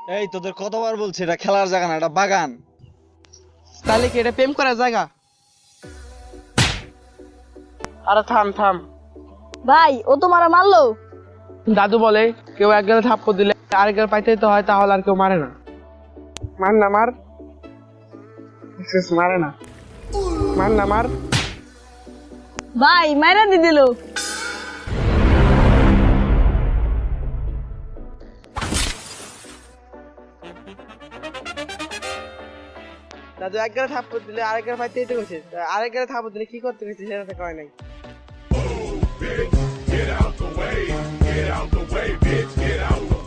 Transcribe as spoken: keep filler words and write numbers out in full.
এই তোদের কতবার বলছি এটা খেলার জায়গা না, এটা বাগান। তাহলে কি এটা প্রেম করার জায়গা? আরে থাম থাম। ভাই ও তো মারা মারলো। দাদু বলে কেউ এক গেলে থাপ্পড় দিলে আরেক গেলে পাইতে তো হয়, তাহলে আর কেউ মারে না। মার না মার, মারে না, মার না মার। ভাই মাইরা দি দিল। দাদু এক গেলে থাপ্পড় দিলে আরেক গেলে পাইতেই তো গেছে, আরেক গেলে থাপ্পড় দিলে কি করতে গেছে সেটা তো কয় নাই। Get out the way, get out the way, bitch, get out the way.